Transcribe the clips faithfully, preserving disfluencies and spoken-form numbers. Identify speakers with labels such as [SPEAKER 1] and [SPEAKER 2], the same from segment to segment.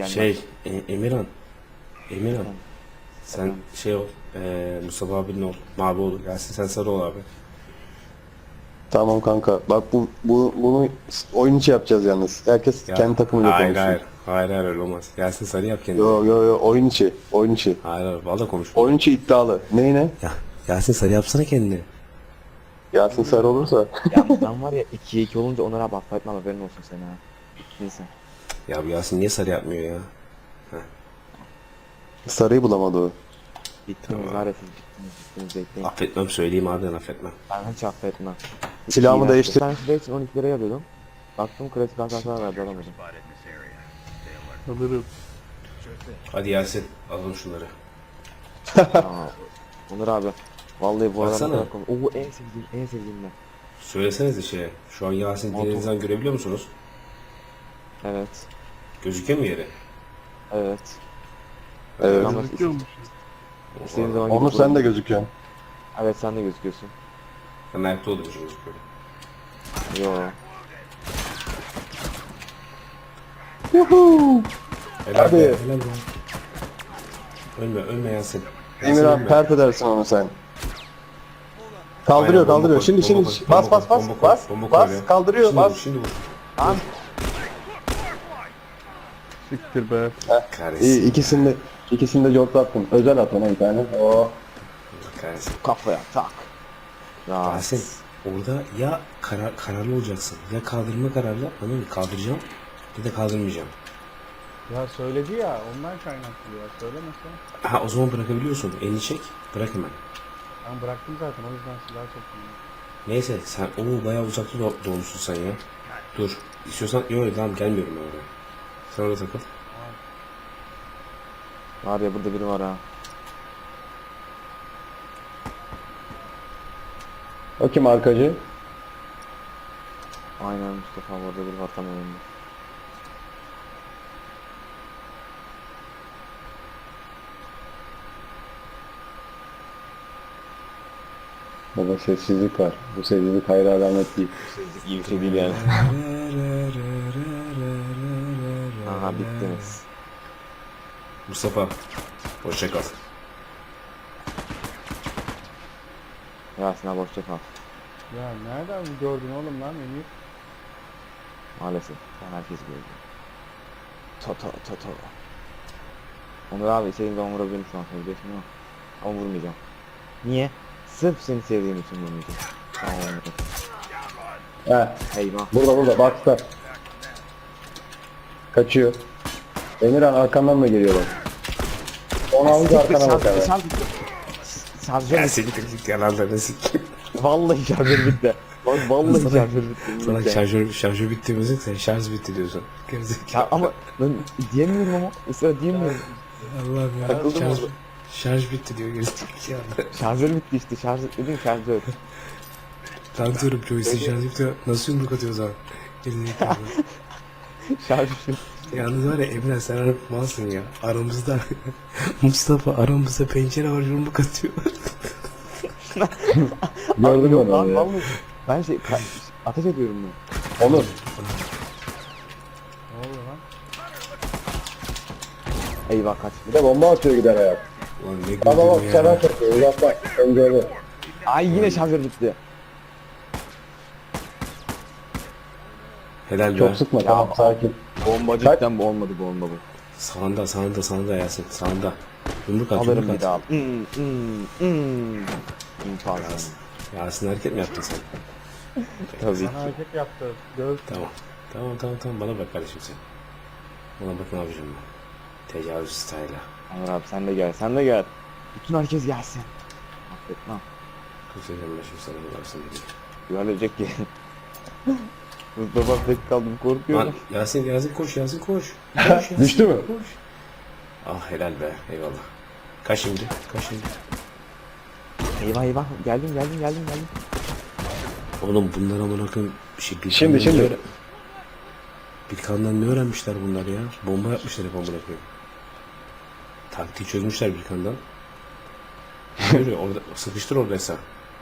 [SPEAKER 1] gelmem.
[SPEAKER 2] Şey e, Emirhan. Emirhan.
[SPEAKER 1] Tamam.
[SPEAKER 2] Sen
[SPEAKER 1] Tamam.
[SPEAKER 2] şey ol. E, Mustafa abinin ol. Mavi ol. Gelsin sen sarı ol abi.
[SPEAKER 3] Tamam kanka. Bak bu, bu bunu oyun içi yapacağız yalnız. Herkes
[SPEAKER 2] Ya,
[SPEAKER 3] kendi takımıyla
[SPEAKER 2] hayır
[SPEAKER 3] konuşsun.
[SPEAKER 2] hayır. Hayır hayır öyle olmaz. Gelsin sarı yap kendini.
[SPEAKER 3] Yo yo yo oyun içi. Oyun içi.
[SPEAKER 2] Hayır hayır. Valla konuş.
[SPEAKER 3] Oyun içi iddialı. Neyine?
[SPEAKER 2] Ya gelsin sarı yapsana kendini.
[SPEAKER 3] Yasin Sarı olursa.
[SPEAKER 1] Yalnız ben var ya ikiye iki olunca Onur'a abi affetmem, haberin olsun sen ha. Neyse.
[SPEAKER 2] Ya bu Yasin niye sarı yapmıyor ya?
[SPEAKER 3] Sarıyı bulamadı o.
[SPEAKER 1] Bittiniz
[SPEAKER 2] Tamam.
[SPEAKER 1] var ya, siz bittiniz bittiniz bekleyin.
[SPEAKER 2] Affetmem söyleyeyim abi ben affetmem.
[SPEAKER 1] Ben hiç affetmem.
[SPEAKER 3] Silahımı
[SPEAKER 1] İğrenç.
[SPEAKER 3] değiştir.
[SPEAKER 1] Bir tane silah için on iki liraya alıyordum. Baktım klasik hasar verdi, alamadım.
[SPEAKER 4] Alırım.
[SPEAKER 2] Hadi Yasin alalım şunları.
[SPEAKER 1] Aa, Onur abi. Vallahi bu aralar
[SPEAKER 2] Baksana.
[SPEAKER 1] ne kadar komik. Oo, en sevdiğim en sevdiğim ben.
[SPEAKER 2] Söylesenize şeye. Şu an Yasin
[SPEAKER 1] Motor.
[SPEAKER 2] dilinizden görebiliyor musunuz?
[SPEAKER 1] Evet.
[SPEAKER 2] Gözüküyor mu yeri?
[SPEAKER 1] Evet.
[SPEAKER 3] Evet.
[SPEAKER 1] Ama
[SPEAKER 4] Gözüküyormuş.
[SPEAKER 1] istediğin zaman
[SPEAKER 3] Onur
[SPEAKER 1] gidip
[SPEAKER 3] sen de
[SPEAKER 1] bulabilirsin.
[SPEAKER 3] gözüküyorsun.
[SPEAKER 1] Evet, sen de gözüküyorsun.
[SPEAKER 2] Ben ayakta olduğum için gözüküyor.
[SPEAKER 1] Yo.
[SPEAKER 2] Helal
[SPEAKER 3] Hadi.
[SPEAKER 2] be, helal be. Ölme, ölme Yasin. Yasin
[SPEAKER 3] Emirhan
[SPEAKER 2] ölme.
[SPEAKER 3] pert edersin onu sen. Kaldırıyor
[SPEAKER 2] Aynen, bomba
[SPEAKER 3] kaldırıyor.
[SPEAKER 2] koy,
[SPEAKER 3] Şimdi
[SPEAKER 2] bomba
[SPEAKER 3] şimdi
[SPEAKER 2] koy,
[SPEAKER 3] bas
[SPEAKER 2] bomba
[SPEAKER 3] bas
[SPEAKER 2] koy,
[SPEAKER 3] bas
[SPEAKER 2] bomba koy,
[SPEAKER 3] bas
[SPEAKER 2] bomba koy
[SPEAKER 3] bas
[SPEAKER 2] ya.
[SPEAKER 3] kaldırıyor
[SPEAKER 2] Şimdi vur,
[SPEAKER 3] bas.
[SPEAKER 2] şimdi vur.
[SPEAKER 1] Tamam.
[SPEAKER 4] Siktir be.
[SPEAKER 2] Kahretsin.
[SPEAKER 3] İyi ikisini de ikisini de cortlattım. Özel at ona bir tane. Oo.
[SPEAKER 2] Kahretsin.
[SPEAKER 1] Kafaya tak. Ya.
[SPEAKER 2] Yasin, orada ya karar, kararlı olacaksın. Ya kaldırma kararlı, anladın mı? Kaldıracağım ya da kaldırmayacağım.
[SPEAKER 4] Ya söyledi ya ondan kaynaklı ya. Söylemese.
[SPEAKER 2] Ha o zaman bırakabiliyorsun. Elini çek, bırak hemen.
[SPEAKER 4] Ben bıraktım zaten o yüzden silah çektim.
[SPEAKER 2] Neyse sen onu bayağı uzakta do doğmuşsun sen ya. Dur. İstiyorsan yok tamam gelmiyorum ben oraya. Sen orada takıl.
[SPEAKER 1] Var ya, burada biri var ha.
[SPEAKER 3] O kim arkacı?
[SPEAKER 1] Aynen Mustafa, orada biri var tam önünde.
[SPEAKER 3] Baba sessizlik var. Bu sessizlik hayır alamet değil.
[SPEAKER 1] İyi bir şey değil yani. Aha, bittiniz.
[SPEAKER 2] Mustafa, hoşça kal.
[SPEAKER 1] Yasin abi hoşça kal.
[SPEAKER 4] Ya nereden gördün oğlum lan Emir?
[SPEAKER 1] Maalesef. Ben herkes gördüm. Toto toto. Onur abi istediğim zaman vurabilirim şu an, söyleyeceksin ama. Ama vurmayacağım. Niye? Sırf seni sevdiğim için vurmayacağım. Tamam.
[SPEAKER 3] He.
[SPEAKER 1] Eyvah.
[SPEAKER 3] Burada burada box'ta. Kaçıyor. Emirhan arkandan mı geliyor bak? Onu alınca arkana bak abi.
[SPEAKER 1] Şarjör
[SPEAKER 2] Ya
[SPEAKER 1] bitti.
[SPEAKER 2] seni kırık yalanlarını sikeyim.
[SPEAKER 1] Vallahi şarjör bitti. Bak vallahi
[SPEAKER 2] Sana-
[SPEAKER 1] şarjör bitti.
[SPEAKER 2] Sana
[SPEAKER 1] Bitti.
[SPEAKER 2] şarjör, şarjör bitti müzik sen şarj bitti diyorsun. Gerizekalı.
[SPEAKER 1] Ya ama ben diyemiyorum ama. Israr diyemiyorum.
[SPEAKER 2] Allah'ım ya.
[SPEAKER 1] Takıldım
[SPEAKER 2] Şarj,
[SPEAKER 1] orada.
[SPEAKER 2] şarj bitti diyor gerizekalı.
[SPEAKER 1] Şarjör bitti işte. Şarj dedim şarjör.
[SPEAKER 2] Ben diyorum joystick şarj bitiyor. Nasıl yumruk atıyor o zaman? Gerizekalı.
[SPEAKER 1] Şarjör.
[SPEAKER 2] Yalnız var ya Emre sen harbi malsın ya. Aramızda Mustafa aramızda pencere var yumruk atıyor.
[SPEAKER 3] Gördün mü
[SPEAKER 1] Yok
[SPEAKER 3] onu
[SPEAKER 1] lan
[SPEAKER 3] ya?
[SPEAKER 1] vallahi. Ben şey ka- ateş ediyorum ben.
[SPEAKER 3] Onur.
[SPEAKER 4] Ne oluyor lan?
[SPEAKER 1] Eyvah kaç.
[SPEAKER 3] Bir de bomba atıyor gider ayak.
[SPEAKER 2] Ulan ne
[SPEAKER 3] Baba bak
[SPEAKER 2] güldüm
[SPEAKER 3] sana
[SPEAKER 2] ya.
[SPEAKER 3] çekiyor. Uzak bak. Öngörü.
[SPEAKER 1] Ay yine şarjör bitti.
[SPEAKER 2] Helal be.
[SPEAKER 3] Çok sıkma tamam sakin.
[SPEAKER 1] Bomba
[SPEAKER 3] Kaç?
[SPEAKER 1] cidden bu olmadı, bu olmadı bu.
[SPEAKER 2] Sağında sağında sağında Yasin sağında. Yumruk at
[SPEAKER 1] Alırım
[SPEAKER 2] yumruk
[SPEAKER 1] bir
[SPEAKER 2] at.
[SPEAKER 1] daha. Hmm hmm hmm. İmkansız.
[SPEAKER 2] Yasin. Yasin hareket mi yaptın sen?
[SPEAKER 1] Tabii ki.
[SPEAKER 4] Bana hareket yaptı. Göz.
[SPEAKER 2] Tamam. Tamam tamam tamam bana bak kardeşim sen. Bana bak ne yapacağım ben. Tecavüz style'a.
[SPEAKER 1] Onur abi sen de gel, sen de gel. Bütün herkes gelsin. Affetmem.
[SPEAKER 2] Kısaca başım sana bularsın dedi.
[SPEAKER 1] Güvenecek ki. Mustafa tek kaldım,
[SPEAKER 2] Lan
[SPEAKER 1] korkuyorum.
[SPEAKER 2] Yasin Yasin koş Yasin koş. Koş Yasin,
[SPEAKER 3] Düştü mü?
[SPEAKER 2] koş. Ah helal be eyvallah. Kaç şimdi? Kaç şimdi?
[SPEAKER 1] Eyvah eyvah, geldim geldim geldim geldim.
[SPEAKER 2] Oğlum bunlar amına koyayım bir şey bir
[SPEAKER 3] Şimdi,
[SPEAKER 2] kandan
[SPEAKER 3] şimdi.
[SPEAKER 2] ne öğren- Bir kandan ne öğrenmişler bunlar ya? Bomba yapmışlar hep amına koyayım. Taktiği çözmüşler bir kandan. Yürü orada sıkıştır orada sen.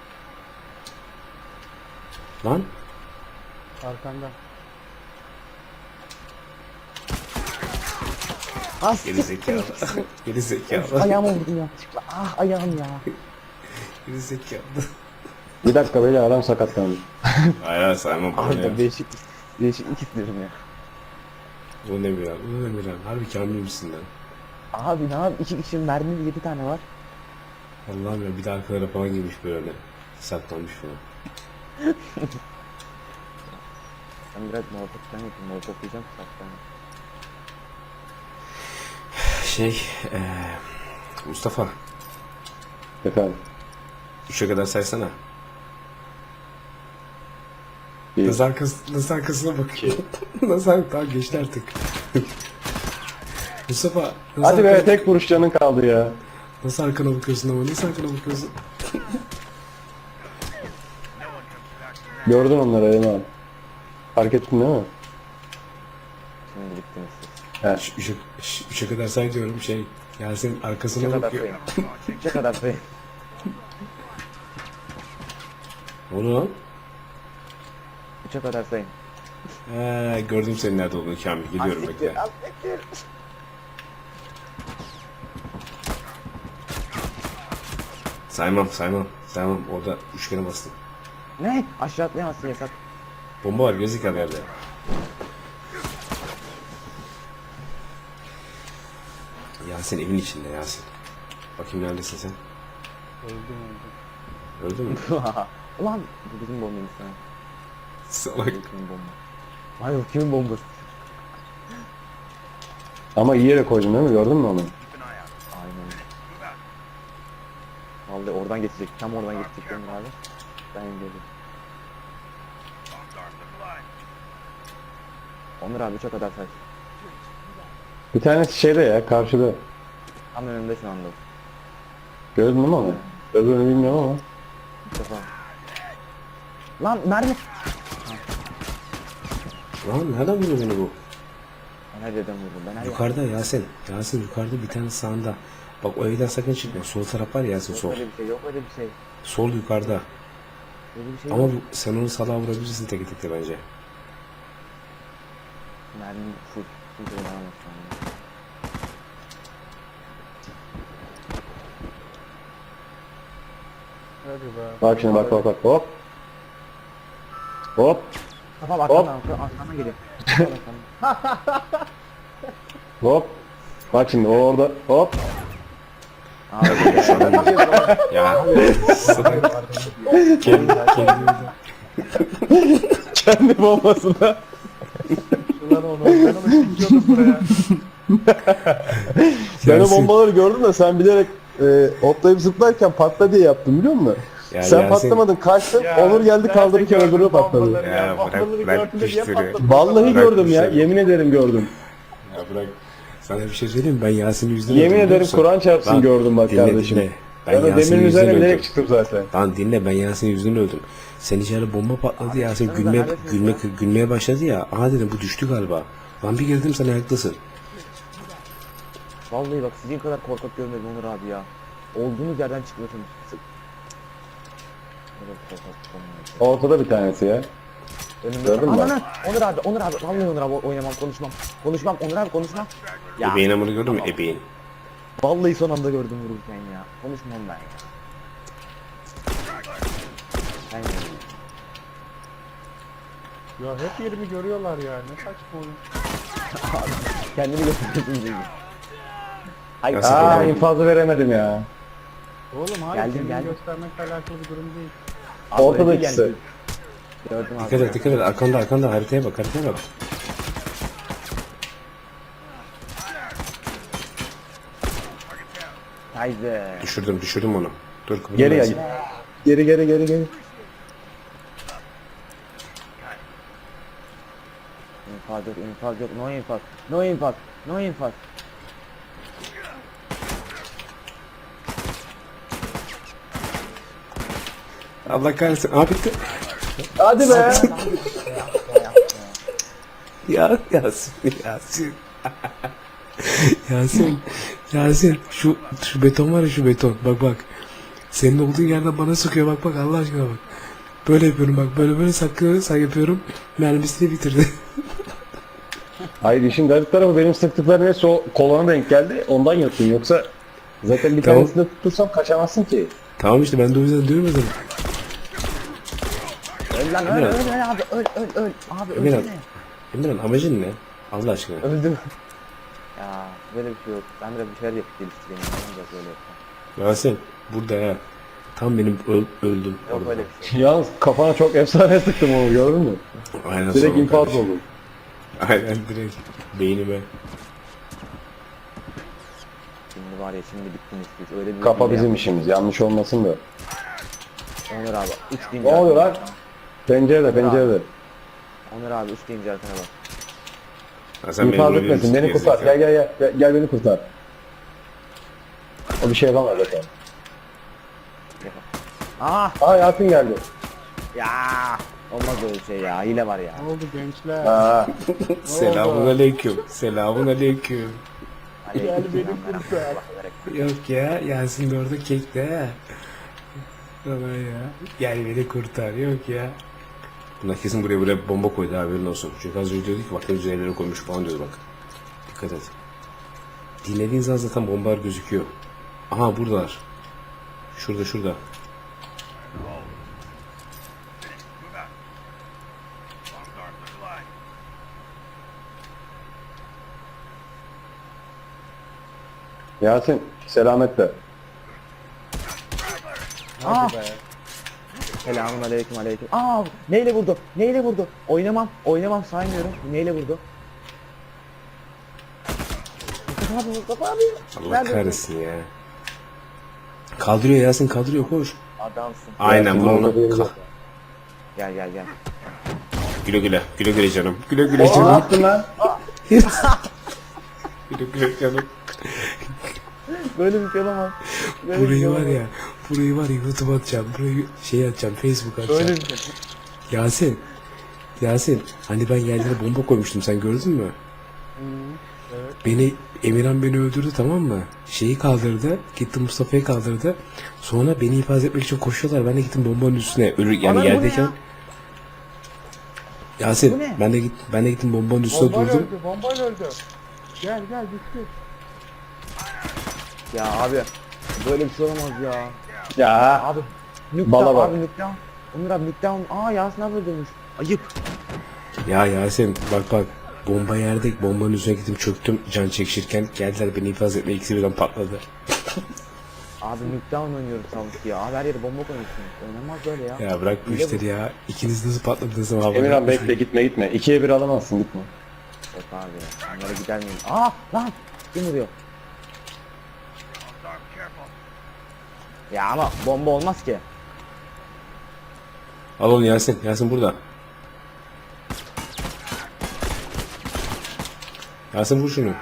[SPEAKER 2] Lan
[SPEAKER 4] Arkanda.
[SPEAKER 1] Ah
[SPEAKER 2] Geri zekalı. Geri zekalı.
[SPEAKER 1] ayağıma vurdum yanlışlıkla. Ah ayağım ya.
[SPEAKER 2] Geri zekalı.
[SPEAKER 3] Bir dakika böyle adam sakatlandı.
[SPEAKER 2] Hayır hayır saymam bunu ya.
[SPEAKER 1] Arda değişik değişiklik istiyorum ya.
[SPEAKER 2] Bu ne bir abi? Bu ne bir abi? Harbi kamil misin lan?
[SPEAKER 1] Abi ne yap? İki kişinin mermi yedi tane var.
[SPEAKER 2] Allah'ım ya bir de arkalara falan girmiş böyle. Saklanmış falan.
[SPEAKER 1] Ben biraz molotof falan yapayım. Molotof yiyeceğim saklan.
[SPEAKER 2] Şey, eee Mustafa,
[SPEAKER 3] Efendim.
[SPEAKER 2] üçe kadar saysana.
[SPEAKER 3] Bir.
[SPEAKER 2] Nasıl, arkası, nasıl arkasına bakıyor? Nasıl ar- Tamam geçti artık. Mustafa, nasıl,
[SPEAKER 3] Hadi be
[SPEAKER 2] arkana,
[SPEAKER 3] tek vuruş canın kaldı ya.
[SPEAKER 2] nasıl arkana bakıyorsun ama nasıl arkana bakıyorsun?
[SPEAKER 3] Gördün onları Eren abi. Fark ettin değil mi?
[SPEAKER 1] Şimdi bittiniz siz.
[SPEAKER 3] He.
[SPEAKER 2] Şu- Üçe, şu- üçe kadar say diyorum şey. Yasin arkasına
[SPEAKER 1] Üçe kadar
[SPEAKER 2] bakıyor.
[SPEAKER 1] sayın. Üçe kadar sayın.
[SPEAKER 2] O ne lan?
[SPEAKER 1] Üçe kadar sayın.
[SPEAKER 2] He, gördüm senin nerede olduğunu Kamil. Geliyorum
[SPEAKER 1] Az siktir,
[SPEAKER 2] bekle.
[SPEAKER 1] az siktir.
[SPEAKER 2] Saymam saymam. Saymam. Orada üçgene bastım.
[SPEAKER 1] Ne? Aşağı atlayamazsın yasak.
[SPEAKER 2] Bomba var gözüküyor yerde. Yasin evin içinde Yasin. Bakayım neredesin sen?
[SPEAKER 4] Öldüm öldüm.
[SPEAKER 2] Öldün mü?
[SPEAKER 1] Ulan bu bizim bombamız ha.
[SPEAKER 2] Salak.
[SPEAKER 1] Bu kimin bomba? Hayır o kimin bombası?
[SPEAKER 3] Ama iyi yere koydun değil mi? Gördün mü onu?
[SPEAKER 1] Aynen. Vallahi oradan geçecek. Tam oradan geçecek Emre abi. Ben engelledim. Onur abi üçe kadar say.
[SPEAKER 3] Bir tanesi şeyde ya karşıda.
[SPEAKER 1] Tam önümde şu anda.
[SPEAKER 3] Gördün mü onu? Öbürünü bilmiyorum ama.
[SPEAKER 1] Bir defa. Lan mermi.
[SPEAKER 2] Lan nereden vuruyor beni bu?
[SPEAKER 1] Ben her yerden vurdum. Ben her yerden.
[SPEAKER 2] Yukarıda Yasin. Yasin yukarıda bir tane sağında. Bak o evden sakın çıkma. Sol taraf var ya Yasin
[SPEAKER 1] Yok
[SPEAKER 2] sol.
[SPEAKER 1] öyle bir şey. Yok öyle bir şey.
[SPEAKER 2] Sol yukarıda.
[SPEAKER 1] Öyle bir şey
[SPEAKER 2] Ama
[SPEAKER 1] yok.
[SPEAKER 2] bu, sen onu salağa vurabilirsin tek tekte bence.
[SPEAKER 1] Mermi full. Full oynamaz şu anda.
[SPEAKER 4] Hadi be.
[SPEAKER 3] Bak şimdi bak bak bak hop. Hop.
[SPEAKER 1] Kafam arkamdan arkamdan arkamdan geliyor. Arkamdan, arkamdan.
[SPEAKER 3] Hop. Bak şimdi o orada hop.
[SPEAKER 1] Abi
[SPEAKER 2] Ya. Salak. kendi, kendi
[SPEAKER 3] Kendi bombasına.
[SPEAKER 4] Ulan onu ben onu çekiyordum buraya.
[SPEAKER 3] Ben o
[SPEAKER 2] Yasin.
[SPEAKER 3] bombaları gördüm de sen bilerek e, hoplayıp zıplarken patla diye yaptın biliyor musun?
[SPEAKER 2] Ya
[SPEAKER 3] Sen
[SPEAKER 2] Yasin-
[SPEAKER 3] patlamadan kaçtın,
[SPEAKER 4] Ya,
[SPEAKER 3] Onur geldi
[SPEAKER 4] nerede
[SPEAKER 3] kaldırırken
[SPEAKER 4] gördün
[SPEAKER 3] öbürü patladı.
[SPEAKER 4] bombaları
[SPEAKER 2] Ya,
[SPEAKER 4] Ya,
[SPEAKER 2] bırak-
[SPEAKER 4] bombaları
[SPEAKER 2] bırak
[SPEAKER 4] gördüm de niye
[SPEAKER 2] düştürü.
[SPEAKER 4] patladı?
[SPEAKER 3] Vallahi
[SPEAKER 2] Bırak
[SPEAKER 3] gördüm ya,
[SPEAKER 2] düşleri.
[SPEAKER 3] yemin ederim gördüm.
[SPEAKER 2] Ya bırak. Sana bir şey söyleyeyim mi? Ben Yasin'i yüzden
[SPEAKER 3] Yemin
[SPEAKER 2] öldüm, biliyor
[SPEAKER 3] ederim
[SPEAKER 2] musun?
[SPEAKER 3] Kur'an çarpsın
[SPEAKER 2] Lan,
[SPEAKER 3] gördüm bak
[SPEAKER 2] dinle,
[SPEAKER 3] kardeşim.
[SPEAKER 2] dinle.
[SPEAKER 3] Ben,
[SPEAKER 2] Ben
[SPEAKER 3] o
[SPEAKER 2] Yasin'i
[SPEAKER 3] demirin
[SPEAKER 2] yüzden
[SPEAKER 3] üzerine
[SPEAKER 2] öldüm.
[SPEAKER 3] bilerek çıktım zaten.
[SPEAKER 2] Lan dinle ben Yasin'in yüzünden öldüm. Sen içeri bomba patladı Yasin
[SPEAKER 1] sen
[SPEAKER 2] gülmeye,
[SPEAKER 1] neredesin
[SPEAKER 2] gülme,
[SPEAKER 1] ya?
[SPEAKER 2] gülmeye başladı ya. Aha dedim bu düştü galiba. Lan bir girdim sen ayaktasın.
[SPEAKER 1] vallahi bak sizin kadar korkak görmedim Onur abi ya. Olduğunuz yerden çıkıyorsunuz. Sık. Evet, korkak olmuyor.
[SPEAKER 3] Ortada bir tanesi ya.
[SPEAKER 1] Önümde.
[SPEAKER 3] Gördün mü bak?
[SPEAKER 1] Ananı! Onur abi, Onur abi. Vallahi Onur abi oynamam, konuşmam. Konuşmam, Onur abi konuşmam. Ya.
[SPEAKER 2] Ebeğin amını gördün mü? Ebeğin.
[SPEAKER 1] Vallahi son anda gördüm vururken ya. Konuşmam ben ya. Ben
[SPEAKER 4] Ya hep yerimi görüyorlar ya. Ne saçma oyun.
[SPEAKER 1] kendimi gösteriyorsun gibi. Hayır.
[SPEAKER 2] Nasıl
[SPEAKER 3] Aa
[SPEAKER 2] böyle?
[SPEAKER 3] infazı veremedim ya.
[SPEAKER 4] Oğlum hayır
[SPEAKER 1] Geldim,
[SPEAKER 4] kendini
[SPEAKER 1] geldim.
[SPEAKER 4] göstermekle alakalı bir durum değil.
[SPEAKER 1] Abi,
[SPEAKER 3] Ortada
[SPEAKER 1] öyle
[SPEAKER 3] ikisi.
[SPEAKER 1] geldi. Gördüm abi.
[SPEAKER 2] Dikkat et dikkat et arkanda arkanda haritaya bak haritaya bak.
[SPEAKER 1] Haydi.
[SPEAKER 2] Düşürdüm düşürdüm onu. Dur kıpırdım
[SPEAKER 3] Geri
[SPEAKER 2] Yasin.
[SPEAKER 3] gel. Geri geri geri geri.
[SPEAKER 1] İnfaz yok, infaz yok. No infaz. No infaz. No infaz.
[SPEAKER 2] Allah kahretsin. Aa bitti.
[SPEAKER 3] Hadi be.
[SPEAKER 2] Ya Yasin Yasin. Yasin Yasin şu şu beton var ya şu beton bak bak. Senin olduğun yerden bana sıkıyor bak bak Allah aşkına bak. Böyle yapıyorum bak böyle böyle saklıyor sen yapıyorum. Mermisini bitirdi.
[SPEAKER 3] Hayır işin garip tarafı benim sıktıklarım hepsi o kolona denk geldi. Ondan yattım yoksa zaten bir
[SPEAKER 2] Tamam.
[SPEAKER 3] tanesini de tutursam kaçamazsın ki.
[SPEAKER 2] Tamam işte ben de o yüzden diyorum ya sana.
[SPEAKER 1] Öl lan öl
[SPEAKER 2] Emirhan.
[SPEAKER 1] öl öl abi öl öl öl. Abi
[SPEAKER 2] Emirhan.
[SPEAKER 1] ölsene.
[SPEAKER 2] Emirhan amacın ne? Allah aşkına.
[SPEAKER 1] Öldüm. Ya böyle bir şey yok. Ben de bir şeyler yapıp geliştireyim. Ne olacak böyle yapsam.
[SPEAKER 2] Yasin burada ha. Tam benim öl- öldüm.
[SPEAKER 1] Yok
[SPEAKER 2] orada.
[SPEAKER 1] öyle bir şey.
[SPEAKER 3] Yalnız kafana çok efsane sıktım onu gördün mü?
[SPEAKER 2] Aynen
[SPEAKER 3] Direkt
[SPEAKER 2] sonra
[SPEAKER 3] infaz
[SPEAKER 2] kardeşim.
[SPEAKER 3] oldum.
[SPEAKER 2] Aynen direkt beynime.
[SPEAKER 1] Şimdi var ya şimdi bittiniz siz. Öyle bir
[SPEAKER 3] Kafa
[SPEAKER 1] hile
[SPEAKER 3] bizim
[SPEAKER 1] yaptınız.
[SPEAKER 3] işimiz yanlış olmasın da.
[SPEAKER 1] Onur abi üç deyince
[SPEAKER 3] Ne oluyor lan?
[SPEAKER 1] arkana bak.
[SPEAKER 3] Pencerede pencerede.
[SPEAKER 1] Onur abi üç deyince arkana bak.
[SPEAKER 2] Ha, sen
[SPEAKER 3] İnfaz
[SPEAKER 2] benim
[SPEAKER 3] etmesin
[SPEAKER 2] rolümü
[SPEAKER 3] beni kurtar.
[SPEAKER 2] gerizekalı.
[SPEAKER 3] Gel gel gel. Gel, gel beni kurtar. O bir şey yapamaz zaten.
[SPEAKER 1] Ah
[SPEAKER 3] Aa Yasin geldi.
[SPEAKER 1] ya. Olmaz öyle şey ya. Hile var ya.
[SPEAKER 4] Ne oldu gençler?
[SPEAKER 3] Ha.
[SPEAKER 2] Selamun aleyküm. Selamun aleyküm.
[SPEAKER 1] Gel
[SPEAKER 4] beni kurtar.
[SPEAKER 2] Yok ya Yasin de orada kekte ha. Bana ya. Gel beni kurtar yok ya. Bunlar kesin buraya böyle bomba koydu haberin olsun. Çünkü az önce diyorduk ki bak ne güzel yerlere koymuş falan diyordu bak. Dikkat et. Dinlediğin zaman zaten bombalar gözüküyor. Aha buradalar. Şurada şurada.
[SPEAKER 3] Yasin selametle.
[SPEAKER 1] Ah. Selamun aleyküm aleyküm. Aa neyle vurdu? Neyle vurdu? Oynamam. Oynamam saymıyorum. Neyle vurdu? Mustafa abi Mustafa abi.
[SPEAKER 2] Allah
[SPEAKER 1] Nerede?
[SPEAKER 2] kahretsin ya. Kaldırıyor Yasin kaldırıyor koş.
[SPEAKER 1] Adamsın.
[SPEAKER 2] Aynen
[SPEAKER 3] Yasin
[SPEAKER 2] bunu
[SPEAKER 3] orada
[SPEAKER 2] ona.
[SPEAKER 3] değil
[SPEAKER 2] Ka-
[SPEAKER 3] zaten.
[SPEAKER 1] Gel gel gel.
[SPEAKER 2] güle güle. Güle güle canım. Güle güle
[SPEAKER 3] Ne
[SPEAKER 2] canım.
[SPEAKER 3] yaptın lan?
[SPEAKER 2] güle güle canım.
[SPEAKER 1] Böyle bir şey olamaz. Böyle bir
[SPEAKER 2] Burayı
[SPEAKER 1] şey
[SPEAKER 2] var
[SPEAKER 1] olamaz.
[SPEAKER 2] ya. Burayı var ya YouTube atacağım. Burayı şey atacağım. Facebook atacağım.
[SPEAKER 1] Böyle bir şey.
[SPEAKER 2] Yasin. Yasin. Hani ben yerlere bomba koymuştum sen gördün mü? Beni Emirhan beni öldürdü tamam mı? Şeyi kaldırdı. Gitti Mustafa'yı kaldırdı. Sonra beni ifade etmek için koşuyorlar. Ben de gittim bombanın üstüne. Ölür yani
[SPEAKER 1] Ana, bu ne
[SPEAKER 2] yerdeyken.
[SPEAKER 1] ya? Bu
[SPEAKER 2] Yasin
[SPEAKER 1] ne?
[SPEAKER 2] ben de git ben de gittim bombanın üstüne
[SPEAKER 4] Bombayla
[SPEAKER 2] durdum.
[SPEAKER 4] öldü, bombayla öldü. Gel gel bitti.
[SPEAKER 1] Ya abi. Böyle bir şey olamaz ya.
[SPEAKER 3] Ya.
[SPEAKER 1] Abi.
[SPEAKER 3] Bala
[SPEAKER 1] Nükleon
[SPEAKER 3] bak.
[SPEAKER 1] abi nükleon. Onur abi nükleon. Aa Yasin abi öldürmüş. Ayıp.
[SPEAKER 2] Ya Yasin bak bak. Bomba yerde bombanın üzerine gittim çöktüm can çekişirken geldiler beni ifaz etmeye ikisi birden patladı.
[SPEAKER 1] Abi nükleon oynuyoruz sanki ya. Abi her yere bomba koymuşsunuz. Oynamaz böyle ya.
[SPEAKER 2] Ya bırak bu
[SPEAKER 1] Hile
[SPEAKER 2] işleri ya. İkiniz nasıl patladınız ama havada.
[SPEAKER 3] Emirhan bekle gitme gitme. İkiye bir alamazsın gitme.
[SPEAKER 1] Yok abi. Onlara gider miyim? Aa lan. Kim vuruyor? Ya ama bomba olmaz ki.
[SPEAKER 2] Al onu Yasin. Yasin burada. Yasin vur şunu.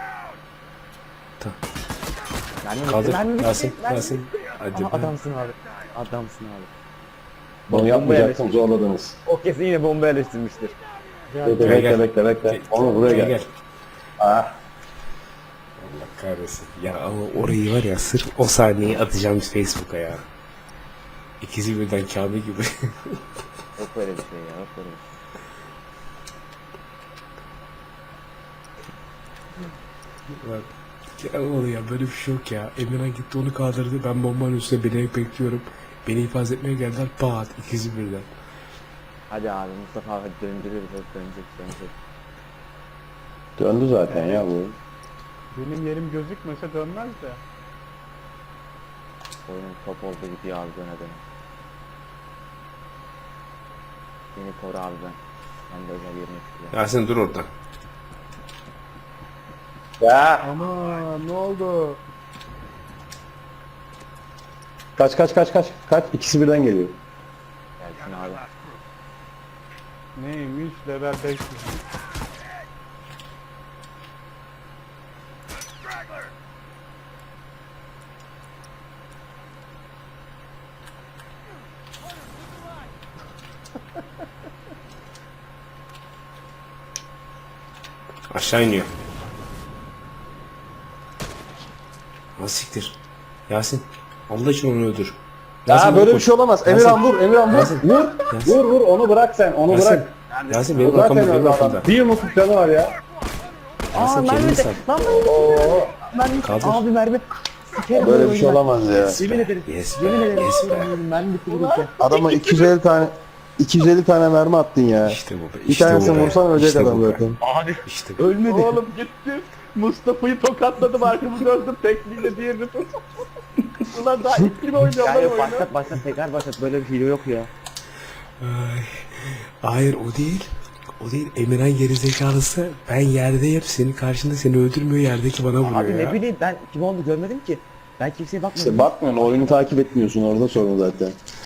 [SPEAKER 1] Mermi bitti,
[SPEAKER 2] Kaldır.
[SPEAKER 1] mermi bitti,
[SPEAKER 2] Yasin.
[SPEAKER 1] mermi
[SPEAKER 2] Yasin.
[SPEAKER 1] bitti.
[SPEAKER 2] Hadi
[SPEAKER 1] Aha,
[SPEAKER 2] be.
[SPEAKER 1] adamsın abi. Adamsın abi.
[SPEAKER 3] Bunu
[SPEAKER 1] Bomba
[SPEAKER 3] yapmayacaksın
[SPEAKER 1] yerleştirmiş.
[SPEAKER 3] zorladınız.
[SPEAKER 1] O kesin yine bomba yerleştirmiştir.
[SPEAKER 3] Bekle
[SPEAKER 2] Gel,
[SPEAKER 3] bekle
[SPEAKER 2] gel.
[SPEAKER 3] bekle bekle.
[SPEAKER 2] Gel,
[SPEAKER 3] Onu buraya
[SPEAKER 2] gel,
[SPEAKER 3] gel. Ah.
[SPEAKER 2] Allah kahretsin. Ya ama orayı var ya sırf o sahneyi atacağım Facebook'a ya. İkisi birden Kamil gibi.
[SPEAKER 1] Yok böyle bir şey ya. Yok böyle bir şey.
[SPEAKER 2] Bak. Ya oğlum ya böyle bir şey yok ya. Emirhan gitti onu kaldırdı. Ben bombanın üstüne beni bekliyorum. Beni ifaz etmeye geldiler. Pat ikisi birden.
[SPEAKER 1] Hadi abi Mustafa abi döndürüyoruz. Hep dönecek dönecek.
[SPEAKER 3] Döndü zaten ya bu.
[SPEAKER 4] Benim yerim gözükmese dönmez de.
[SPEAKER 1] Oyunun top oldu gidiyor abi döne döne. Beni koru abi ben. Ben de özel yerine çıkıyorum.
[SPEAKER 2] Yasin dur orada.
[SPEAKER 3] Ya.
[SPEAKER 4] Ama ne oldu?
[SPEAKER 3] Kaç kaç kaç kaç. Kaç. İkisi birden geliyor.
[SPEAKER 1] Gelsin abi.
[SPEAKER 4] Neymiş level beş yüz.
[SPEAKER 2] Aşağı iniyor. Nasıl siktir? Yasin. Allah için onu öldür.
[SPEAKER 3] Ya böyle bir
[SPEAKER 2] koş.
[SPEAKER 3] şey olamaz.
[SPEAKER 2] Yasin.
[SPEAKER 3] Emirhan vur. Emirhan vur.
[SPEAKER 2] Yasin.
[SPEAKER 3] Vur.
[SPEAKER 2] Yasin.
[SPEAKER 3] Vur vur onu bırak sen. Onu
[SPEAKER 2] Yasin.
[SPEAKER 3] bırak.
[SPEAKER 2] Yasin benim
[SPEAKER 3] Zaten
[SPEAKER 2] arkamda benim
[SPEAKER 3] öldü adam.
[SPEAKER 2] arkamda.
[SPEAKER 3] Bir umut canı var ya.
[SPEAKER 1] Aa
[SPEAKER 2] sen
[SPEAKER 1] mermi
[SPEAKER 2] kendini
[SPEAKER 1] de.
[SPEAKER 2] sat.
[SPEAKER 1] Lan mermi. Mermi.
[SPEAKER 2] Kaldır.
[SPEAKER 1] Abi mermi. Sikerim
[SPEAKER 3] Böyle
[SPEAKER 1] bu
[SPEAKER 3] bir şey
[SPEAKER 1] oyunu.
[SPEAKER 3] olamaz ya.
[SPEAKER 1] Yemin ederim.
[SPEAKER 2] Yes be.
[SPEAKER 1] Yemin ederim.
[SPEAKER 2] Yes be.
[SPEAKER 1] Mermi bitti gitti.
[SPEAKER 3] Adama iki yüz elli tane iki yüz elli tane mermi attın ya.
[SPEAKER 2] İşte bu be.
[SPEAKER 3] Bir
[SPEAKER 2] işte
[SPEAKER 3] tanesini
[SPEAKER 2] bu be,
[SPEAKER 3] vursan ölecek
[SPEAKER 2] işte
[SPEAKER 3] adam
[SPEAKER 2] bu be.
[SPEAKER 3] zaten.
[SPEAKER 1] Abi
[SPEAKER 2] İşte bu.
[SPEAKER 1] ölmedi.
[SPEAKER 4] Oğlum gittim. Mustafa'yı tokatladım arkamı döndüm tekniğiyle diğerini tut. Ulan daha ilk gibi oynuyorum
[SPEAKER 1] Ya
[SPEAKER 4] lan
[SPEAKER 1] yok
[SPEAKER 4] oyunu.
[SPEAKER 1] başlat başlat tekrar başlat böyle bir hile yok ya.
[SPEAKER 2] Ay. Hayır o değil. O değil. Emirhan gerizekalısı. Ben yerdeyim. Senin karşında seni öldürmüyor. Yerdeki bana vuruyor
[SPEAKER 1] Abi
[SPEAKER 2] ya.
[SPEAKER 1] ne bileyim ben kim oldu görmedim ki. Ben kimseye bakmadım.
[SPEAKER 3] İşte bakmıyorsun oyunu takip etmiyorsun orada sorun zaten.